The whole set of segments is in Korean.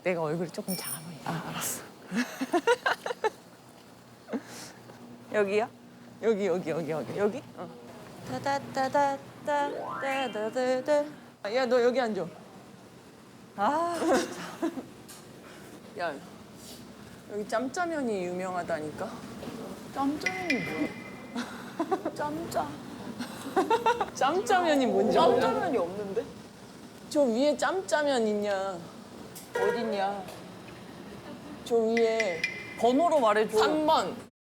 내가 얼굴이 조금 작아 보여. 아, 알았어. 여기야? 여기. 어. 따다따다따다다다다. 야, 너 여기 앉아. 아, 진짜. 야, 여기 짬짜면이 유명하다니까. 짬짜면이 뭐야? 짬짜. 짬짜면이 뭔지 알아? 짬짜면이 없는데? 저 위에 짬짜면 있냐? 어딨냐? 저 위에 번호로 말해줘. 3번.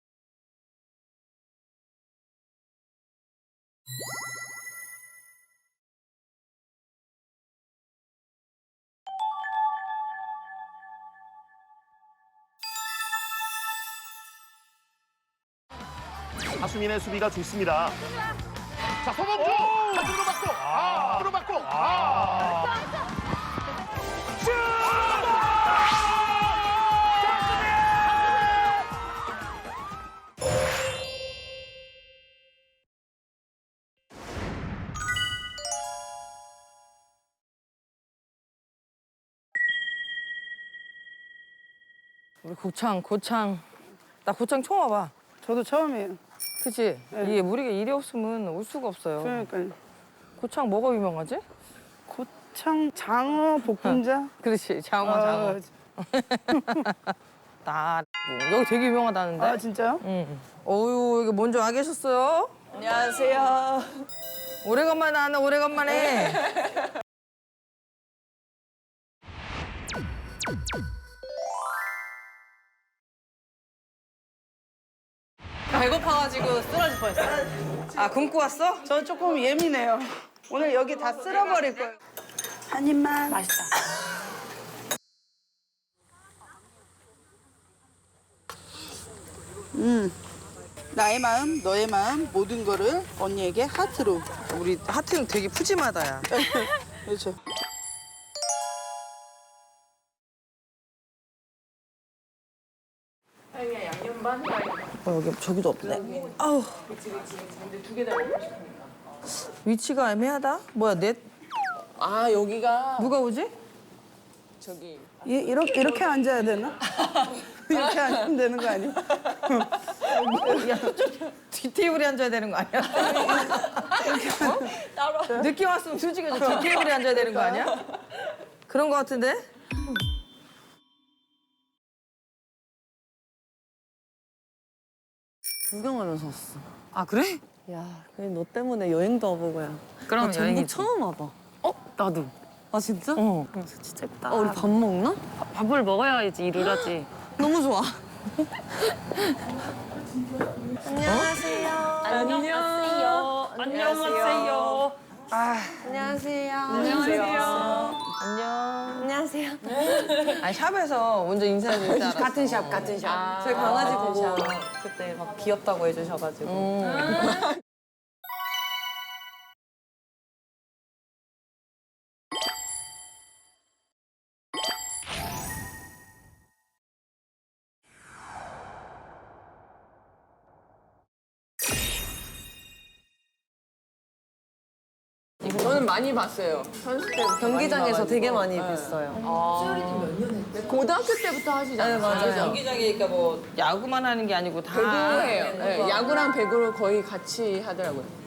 하수민의 수비가 좋습니다. 자, 서범주! 한쪽으로 맞고! 앞으로 맞고! 슛! 우리 고창. 나 고창 처음 와봐. 저도 처음이에요. 그치? 네. 이게 우리가 일이 없으면 올 수가 없어요. 그러니까요. 고창 뭐가 유명하지? 고창 장어 볶음자. 그렇지, 장어. 여기 되게 유명하다는데? 아 진짜요? 응. 어유 여기 먼저 와 계셨어요? 안녕하세요. 오래간만에 하네, 오래간만에. 배고파가지고 쓰러질 뻔했어. 아, 굶고 왔어? 저 조금 예민해요. 오늘 여기 다 쓸어버릴 거예요. 한 입만. 맛있다. 나의 마음, 너의 마음, 모든 거를 언니에게 하트로. 우리 하트는 되게 푸짐하다, 야. 그렇죠. 여기 저기도 없네. 아우. 위치가 애매하다? 뭐야, 아, 여기가 누가 오지? 저기 이렇게 앉아야 되나? 이렇게 앉으면 되는 거 아니야? 야, 뒷테이블에 앉아야 되는 거 아니야? 따로. 늦게 왔으면 솔직히 뒷테이블에 앉아야 되는 거 아니야? 그런 거 같은데? 구경하면서 왔어. 아, 그래? 야, 그냥 너 때문에 여행도 와보고 야. 그럼 나 전북 여행이지. 처음 와봐. 나도. 아 진짜? 어. 진짜 예쁘다. 우리 밥 먹나? 밥을 먹어야지 일을 하지. 너무 좋아. 안녕하세요. 안녕하세요. 안녕하세요. 안녕하세요. 안녕. 안녕하세요. 아니, 샵에서 먼저 인사해줄 줄 알았어. 같은 샵. 저희 강아지 보고 그때 막 귀엽다고 해주셔가지고. 저는 많이 봤어요. 선수 때부터 경기장에서 많이 되게 봐가지고. 많이 뵀어요. 고등학교 때부터 하시잖아요. 네, 맞아요. 경기장이니까 뭐 야구만 하는 게 아니고 다 배구해요. 네, 야구랑 배구를 거의 같이 하더라고요.